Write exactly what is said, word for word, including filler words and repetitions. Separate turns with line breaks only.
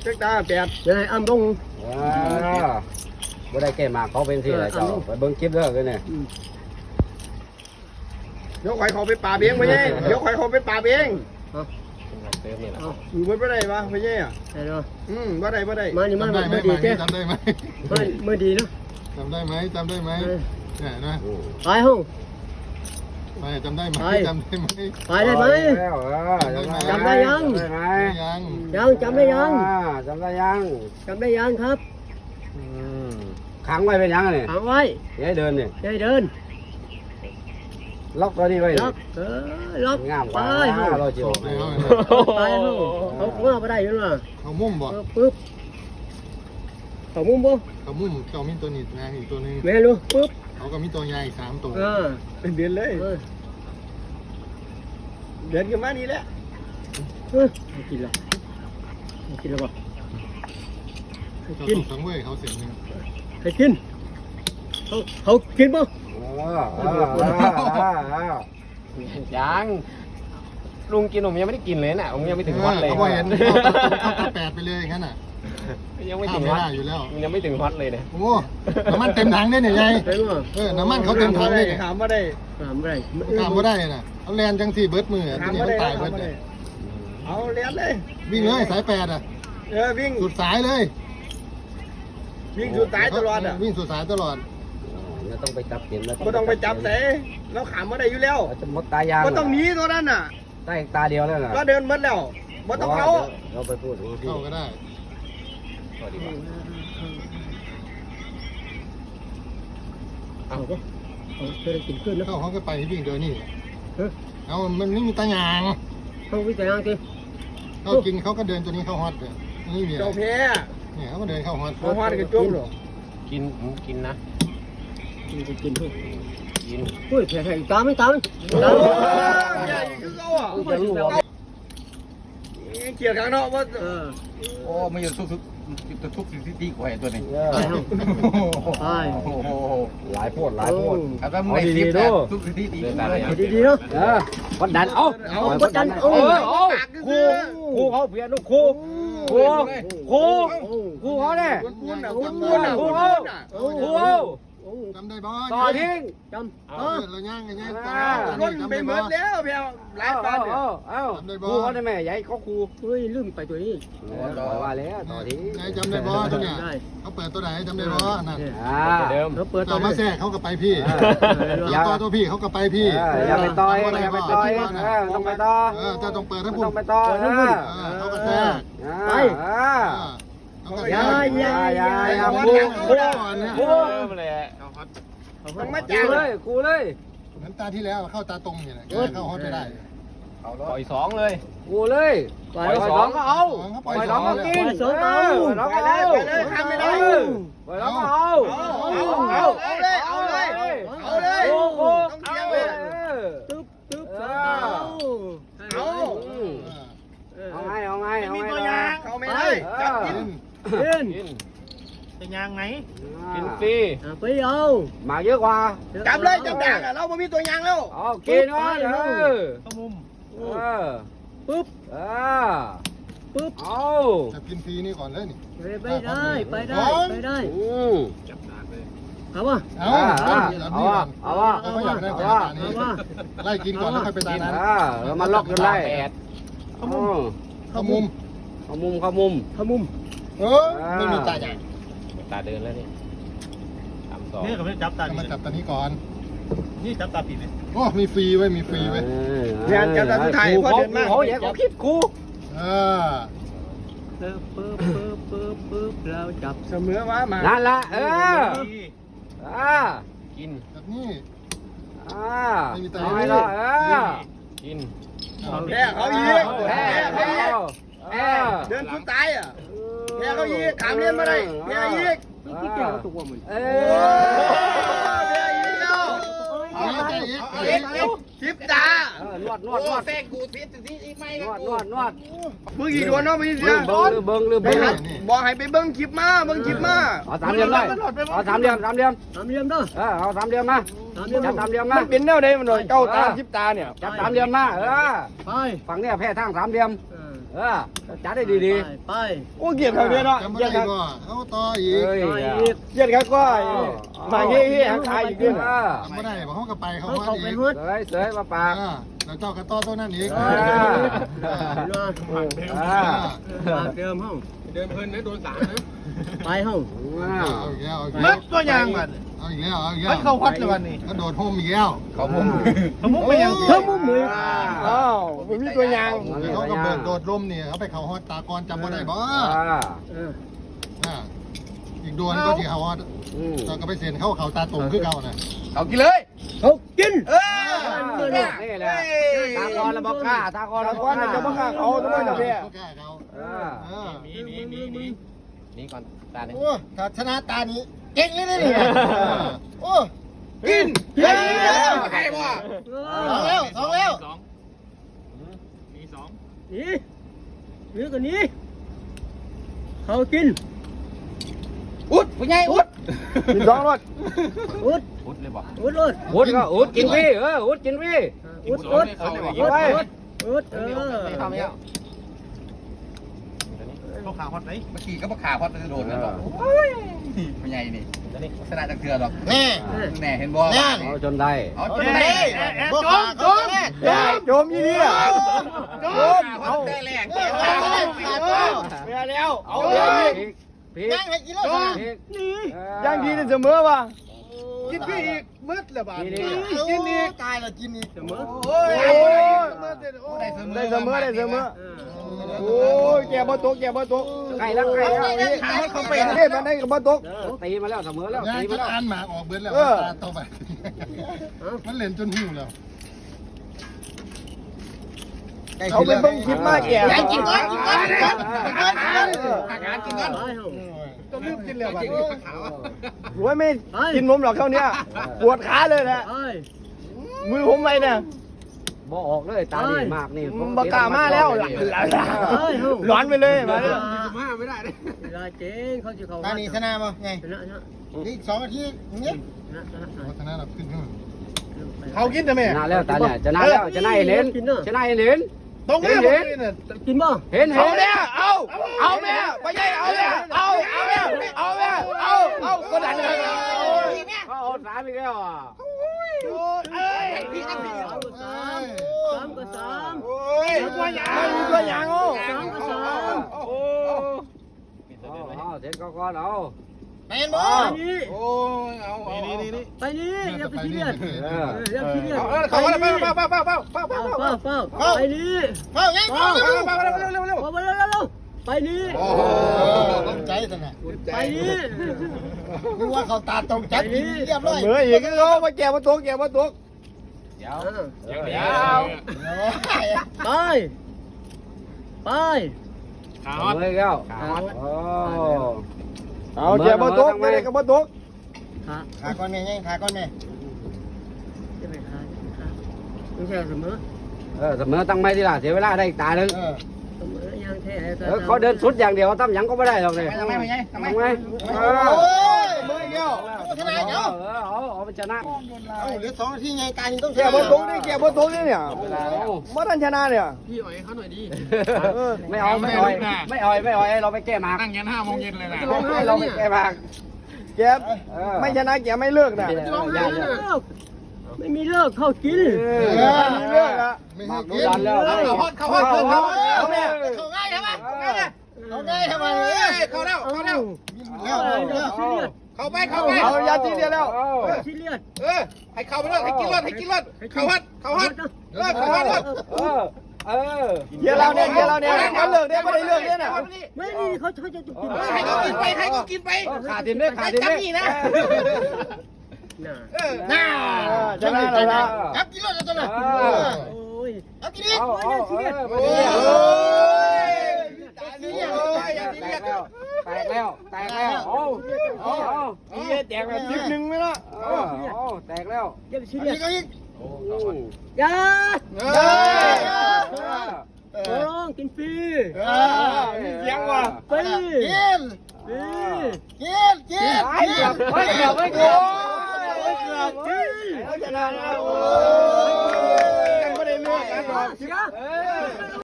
เจ็กตาแปด
เดี๋ยวให้อ้ำลง
บ่ได้แก้มาเขาเป็นที่ไรเจ้าไปเบิ้งคลิปเด้อเลยเนี่ย
เดี๋ยวข่อยเขาไปป่าเบี้ยงไปยัยเดี๋ยวข่อยเขาไปป่าเบี้ยง
เติมนี่แหละ
อยู่บนบ่ได้ปะไปยัยอ่ะ
ใช่เนาะ
อืมบ่ได้บ่ได้
มานี่มา
จำได้ไหม
เมื่อดีแก
จำได้ไหม
มาเมื่อดีเนาะ
จำได้ไหมจำได้ไหมเนี่ยนะ
ไปห้อง
ไปจำได้ไหมจำได้ไหม
ไปได้ไหม
จำได้ยังจำได้ไหม
ยัง
ยังจำได้ยัง
จำได้ยัง
จำได้ยังครับ
ขังไว้เป็นยังไง
ขังไว้
อย่าให้เดินเนี่ย
อย่าให้เดิน
ล็อกตัวนี้ไว้
ล็อกเออล็อก
งามก
ไป
ว่า
ห้อง
เราจิ๋ว
ไปเอา
ไปห้องเขาว่าไปได้ยังไง
เขามุ่มบ่
ปึ๊บเขามุมบ่
เขามุ่มเขามีตัวนิดนะอีกตัวนึง
แม่รู้ปึ๊บ
เขาก็มีตัวใหญ่สามตัว
อ่า
เป็นเดือนเลย
เออ
เดือนกันมานี่แหละ
เออกินแล้วกินแล้วป่ะ
เขาส่งสังเวยเขาเสียงนึง
ให้กินเขาเขากินป่ะ
ยังลุงกินผมยังไม่ได้กินเลยน่ะผมยังไม่ถึงวัดเลย
เขาบอกเห็นเขาตัดแปดไปเลยงั้นอ่ะ
ยังไม่
ข้า
ถึ
ม
ง
ไม่
วัด
ได้อยู่แล้ว
ยังไม่ถึงวัดเลยเนี่ย
โอ้น้ำมันเต็มถังได้เนี่ยยาย
ได้ป่ะ
เออน้ำมันเขาเต็มถัง
ได้
เลยเนี่ย
ถามว่าได้
ถามอะไร
ข้ามไม่ได้น่ะเอาแลนจังสี่เบิร์ดมือ
ถาม
ที่นี่
ว่า
มั
ได้
นตาย
ถา
เบิ
ม
ร์ด
ว่า
เล
ได้
ย
เอาเลี้ยนเลย
วิ่งเลยสายแปดอ่ะ
เออวิ่ง
สุดสายเลย
วิ่งสุดสายตลอดอ่ะ
วิ่งสุดสายตลอด
ไม่ต้องไปจับเข็มแล้ว
ไม่ต้องไปจับเสเราขามมาได้อยู่แล้ว
จะมดตายาง
ก็ต้องหนีตัวนั้นน่ะ
ได้ตาเดียวแล้วนะ
ก็เดินหมดแล้วบ่ต้องเขา
เราไปพูดดูที่
เข้าก็ได้
เอาก็เอาเคยกินขึ้นนะ
เข้าเขาก็ไปวิ่งเดินนี่
เออ
เอามันไม่มีตายาง
เขาวิจัยยังสิ
เขากินเขาก็เดินตัวนี้เข้าฮอตเลยนี่มีอะไร
เจ้าแพ้
เนี่ยเขาก็เดินเข้าฮอต
เขาฮอดกันจุ๊บหรอ
กินผมกินนะ
กินกินกินทุก
กิน
อุ้ยแผลแผลตามไม่ตามตาม
ใหญ่คือเขาอ่ะ
จะรู้ว่า
เกียร์ข้างนอกว่า
เออ
โอ้ไม่อยู่ทุกทุกทุกทุกสิ่งที่ดีกว่าตัวนี้
ไปห้องไป
โอ้โห
หลายโพดหลายโพด
แล้วก็ในคลิปนะทุกสิ่งที่ดีเลย
ดีๆเนาะ
เออวัดดันเอา
เอากดดัน
เอ
เอา
อเอาครูครูเขาเพียนลูกครูครูครูครูเขาเนี่ย
ปูนอ่ะปูนอ่ะ
ครู
ปูน
เขา
อ่ะ
ครู
จำได้บ่
ต่อทิ้ง
จำ
เอ
เอ
อ
อ
เราย่างกันย่าง
ล้นไปหมดแล้วเพียวหลาย
เอา
ปาน
เอา
เนี่ย
เอาเอาครูเขาได้ไหมใหญ่เขาครู
เฮ้ยลืมไปตัวนี้
ว่าแล้วต่อทิ้ง
ยายจำได้บ่ตัวเนี้ยเขาเปิดตัวไหนจำได้บ่นั่น
อ่าเดิม
เราเปิดตั
ต่
ว
อมา
นี้
แทรกเขาก็ไปพี่
อย่า
ต่อตัวพี่เขาก็ไปพี่
อย่าไปต่อยอย่าไปต่อยต้องไปต่อ
เออจะต้องเปิดให้
ต้
พูด
องไปต่อ
เออเขาก็แทรก
ไป
เขาก็
อย่าอย่าอย่า
อย่า
ค
ครู
รู
ครู
ครู
ครูเลย
ต้องมา
ครู
จ้าง
เลยครูเลย
เหมือนตาที่แล้วเข้าตาตรงเนี่ยเข้าฮอตไม่ได้
ปล่อยสองเลยครูเลยปล่อยสองก็เอาปล่อยสองก็กิน
สองเอา
ปล่อยสองก็เอาปล่อยสองก็เอา
เอาเอาเอาเลยเอาเลยเอาเลย
ครูครู
ต้องเสียงเลย
ตึ๊บตึ๊บสองเอา
เอา
เอาไงเอาไงเอา
มี
ไง
ตัวยางเขาไม่ได้จับกิน
เล่น
กิน
เป็นยางไหน
กินฟรี
ไปเอา
หมากเยอะกว่า
จับเลยจับด่างอ่ะเราไม่มีตัวยางแล้ว
เอากินวะเออ
เข้ามุม
เออ
ปึ๊บ
เออ
ปึ๊บ
เอา
จะกินฟรีนี่ก่อนเลยนี่
ไปได้ไปได้ไปได้
อืม
เอาวะ
เอา
เอาวะเอาวะ
เขาอยากได้
เอา
ตาว
ะ
นี้
เอาวะ
ไล่กินก่อนแล้วค่อยไปตานั้น
อ่าแล้วมาล็อกกันได้เข้ามุม
เข้ามุม
เข้ามุมเข้ามุม
ขมุม
เออไม่มีตาใหญ่
ตาเดินแล้วนี่สามสอง
นี่เขาไม่จับตา
มาจับตานี้ก่อน
นี่จับตาปิดเลย
โอ้มีฟรีไว้มีฟรีไว้
เขาเขาอย่าเขาคิดครู
เออ
ปึ๊บปึ๊บปึ๊บปึ๊บปึ๊บเราจับ
เสมอมามา
นั่นละเอออ่ากิน
แบบนี้
อ่าเอาไงล่ะเออกิน
แพ้เขาอีก
แพ้
แพ้
แพ้
เขาอีก
แพ้
เดินสุดตายอ่ะแพ้เขาอีกขามเรียนมาได้แพ้อีก
ที่แก้วตัวมัน
เอ
โอ้
อ
แพ้อีกแล้ว
เอาใจอีก
เอ็กเอ็กสิบตาน
วดนวดนวด
แฟนกูทิศที่อีกไม่
นวดนวดนวด
มึงกี่ดวนเนาะมึงเสี
ลื
ย
มเบิ้งลืมเบิ้งลืม
ไป
เบิ้ง
หัดบอกให้ไปเบิ้งคลิปมาเบิ้งคลิปมา
เอาสามเหลี่ยมได้เอาสามเหลี่ยมสามเหลี่ยม
สามเหลี่ยมเด้อ
เออเอาสามเหลี่ยมมา
สามเหลี่ยม
จับสามเหลี่ยมมา
มันเป็นแนวใดมันหน่อยเก้าตาสิบตาเนี่ย
จับสามเหลี่ยมมาเออ
ไป
ฝั่งเนี้ยแพ้ทางสามเหลี่ยม
เออ
เอเออจัดได้ดี
ไป
โอ้เกียรติเขาเนี่ยเนาะ
จำไม่
เกียรติ
ได้
เขา
ก็เอาต่ออี
ๆ
ก
เฮ้ย
เกียรติเขาก็มาเฮ้ยหางขายอีกขึ้น
เออ
จำไม่ได้บอกเขาก็ไปเขา
เขา
ว่า
เขา
อี
ไป
ก
ฮุด
เสยเสยมาปาก
แล้วเจ้ากระต้อตัวนั้นอีก
อ่า อ่า
ปากเดิมห้อง
เดินเพลินนะโดนสามนะ
ไปห้อง
อ่า
เอาอีกแล้วเอาอีก
มั
แล้
ด
ว
ตัวยางมัน
เอาอีกแล้วเอาอีกแล้ว
มันเข้าวัดเลยวันนี้
ก็โดดโฮมอีกแล้ว
เขามุม
เขามุกไปยัง
เพิ่มมุ้งมือ
อ้าวมันมีตัวยาง
เขาก็เบิกโดดลมเนี่ยเขาไปเขาฮอตตากรจำไม่ได้บ่
อ่า
อ่าอีกดวนก็ที่เขาฮอต
อืม
เราก็ไปเซ็นเข้าเขาตาตุ่มคือเก่าน่ะ
เขากินเลย
เขากิน
เออ
นี่แหละตากรระบอกกล้าตากร
ตะ
ระบ
ก
อ
อก น
กล้า
จะมาฆ่าเขาทำไมล่ะพี่
เขาแก้เขา
เออ
เออ
นี่นี่นี่นี่นี่ก่อนตาเนี่ย
โอ้ถ้าชนะตานี้เก่งเลยนะเนี่ยโอ้
กิน
เฮ้ยใครบ่
สองแล้วสองแล้ว
สองมีสอง
นี่นี่ก็นี้เขากิน
อุดผู้ใหญ่อุด
กินสองรถ
อุด
อุดเลยบ่
อุดเลย
อุดก็อุดกินฟรีเอออุดกินฟรี
อุดอุด
เขาเลยบ่
อุดอุดเออ
ไม่ทำแล้วเขาขาฮอตไหมเมื่อกี้ก็มาขาฮอตจะโดนแล้วบอกผู้ใหญ่นี่ชนะจังเถื่อหรอก
แน่
แน่เห็นบ่
เอาจนได้
เอาจ
จ
น
ม
ได้
จมจม
โจมยี่นี่อ่ะโจม
เอา
เอา
แต่แรก
เมียแล้วเอาเมียอีก
พริก
ย่างให้กินแล้ว
พริก
ย่างดีเสมอว่ะกินพี่อีกมืดเลยบ้าน
กินอีกตายแล้วกินอีก
เสมอ
โอ้ย
โอ้ย
ได้
ได้เสมอได้เสมอ
เออ
โอ้ยแกบ่ตกแกบ่ตก
ไก่แล้วไก่แล้ว
ขาให้เขาเป็นเด้มันได้กับบ่ตก
ตีมาแล้วเสมอแล้ว
ย่าง
ตี
จ
มาน แล้ว
อ่านหมากออกเบิดแล้วตาต่อไปมันเล่นจนหิวแล้ว
เขาเป็นเบิ่งคลิปมากแก
ย่างกินก่อนกินก่อนกินก่อน
อาการกินกัน
ไปห้อง
ก็ลืมกินแล้วบัด
กิน
นี้
ขาว
รวยไม่กินนมหรอกเท่านี้ปวดขาเลยแหละ
ไป
มือผมไปเนี่ย
บ่ออกเลยตาดีมากนี่
บากล้ามาแล้วร้อนไปเลยมาเนี่ย
มาไม่ได้เลย
เวลาเจ๊งเขาจะเขา
ตานี่ชนะมั้งไง
ชนะชนะ
อีกสองนาทีเนี้ย
ชนะชนะชนะ
ชนะเราขึ้นขึ้น
เขากินทำไม
ชนะแล้วตาเนี่ยชนะแล้วชนะเห็นเห็นชนะเห็นเห็น
ตรงนี้ผมกิน
กินบ่
เห็นเห็
เอา
น
เนี่ยเอาเอาแม่ไปยัยเอาเนี่ยเอาเอาแม่เอาแม่เอาเอาก็ดันเลย
เขาเอาสามอีกแล้วอ่ะ
เอ้ย
สามก็สามสามก็สาม
โอ้ยตัวยางตัวยางโอ้
สามก็สาม
โอ้เอาเสร็จก็ก่อนเอา
แมนบอ
ไป
ล
นี่
โอ้ยเอาเอานี่นี่นี่
ไปนี่อย่าไปซีเรียสอย่าซีเรียส
เอาเขาว่าเป้าเป้าเป้าเป้าเป้าเป้า
เฝ้า
เป้า
เฝ้าเฝ้าไปนี่
เฝ้าไงเฝ้า
เป้าเป้าเร็วเร็วเร็วเร็ว
ไปเร็วเร็วไปนี่
โอ้
ต้องใจสินะ
ไปนี่
นึกว่าเขาตาตรงใจกินเรียบร้อย
เหมืออีกเขามาแก่มาตกแก่มาตก
เดี๋ยว
เดี๋ยว
เดี๋
เดี๋
ย
ยว
ไปไป
ขา
เอา
ฮอต
เลยแก้วโอ้
เอาแก่มาตกไม่ได้ก็มาตก
ขา
ขาก้อนแม่ยังขาก้อนแม่
จะไปขาขาไม่ใช่เสมอ
เออเสมอตั้งไม่ดีล่ะเสียเวลาได้อีกตาหนึ่ง
เออ
เสมอยังแท้
เออเขาเดินสุดอย่างเดียวตั้มยังก็ไม่ได้หรอกเลย
ทำไมไม่ไงทำไม
ทำไงเออ
โอ้ย
มือเกี่ยว
ชนะเนาะ
เออเอาเอาไปชนะ
เอาเหลือสองนาทีไงตานี่ต้องช
แก่
นะ
มาตกนี่แก่มาตกนี่เนี่ย
เวลาเอา
มาดันชนะเนี่ย
พี่อ่อยเขาหน่อยดี
ไม่เอาไม่อ่อยไม่อ่อยไม่อ่อยเราไปแก้หมาก
นั่งยันห้าโมงเย็นเลยนะ
เราไปแก้หมาก
แก่ไม่ชนะแก่ไม่เลิกนะ
ไม่มีเลิกเข้ากิน
มีเลิกละ
ไม่
ห
ให้
มาก
กิ
ดู
น
ดันแล้ว
เขาฮอตเขาฮอตเขาฮอต
เอาแม่
เขาง่ายทำไมเขาง่ายทำไม
เขาแล้วเขาแล้ว
แล้วแล้ว
ซีเรียส
เขาไปเขาไป
เอายาทีเดียวแล้ว
ซีเรียส
เออให้เขาไปเลยให้กินรถให้กินรถเขาฮอตเขาฮอตเออเขาฮอต
เออเออ
เดี๋ยวเราเนี่ยเดี๋ยวเราเนี่ยเขาเลิกเนี่ยไม่ได้เลิกเนี่ยนะ
ไม่นี่เขาเขาจะกิน
ให้เขากินไปให้เขากินไป
ขาดทีมด้วยขาดทีมด้วย
น่ะ
เออ
น่า
ชนะแล้วละ
จับกินรถจะตัวไหน
โอ้ย
เอากินอีก
เอาเอาเออ
โอ้ย
แตกแล้วแตกแล้วแตกแล้วโอ้โอ้
มีแตกแบบทิปหนึ่งไหมล่ะ
โอ้แตกแล้ว
อย่าไปซี
เอา
เรีย
อี
ส
กเอาอีก
อย่า
เอ
ขอร้องกินฟรี
อมีเสียงว่ะ
ฟรี
กิน
ฟรี
กินกิน
ไอ้เกือบไอ้เกือบไอ้เกือบ
เกือบเขาชนะแล้วโอ้ยยังไม่ได้เลือกกันหรอก
เสีย